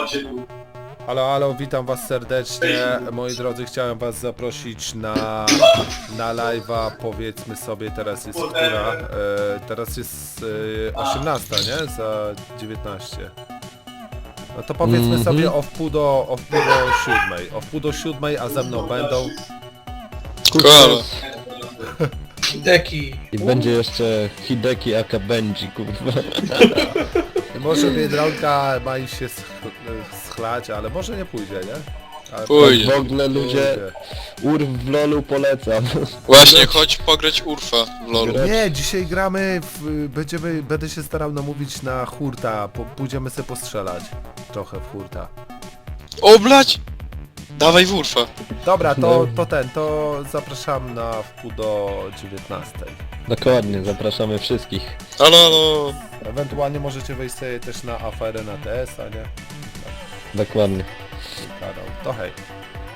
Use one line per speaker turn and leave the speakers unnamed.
Halo, halo, witam was serdecznie. Moi drodzy, chciałem was zaprosić na live'a, powiedzmy sobie, teraz jest która? Teraz jest 18, nie? Za 19. No to powiedzmy sobie o wpół do 7. O wpół do 7, a ze mną będą...
Koala.
Hideki.
I będzie jeszcze Hideki aka Benji, kurwa.
Może Biedronka ma iść się schlać, ale może nie pójdzie, nie? Ale
Pójdzie.
W ogóle ludzie, Urf w LoLu polecam.
Właśnie, chodź pograć Urfa w LoLu.
Nie, dzisiaj gramy będę się starał namówić na hurta, pójdziemy sobie postrzelać trochę w hurta.
O blać! Dawaj w Urfa.
Dobra, to zapraszam na wpół do 19.
Dokładnie, zapraszamy wszystkich.
Halo, halo.
Ewentualnie możecie wejść sobie też na aferę na TS, a nie?
Dokładnie.
Kanał. To hej.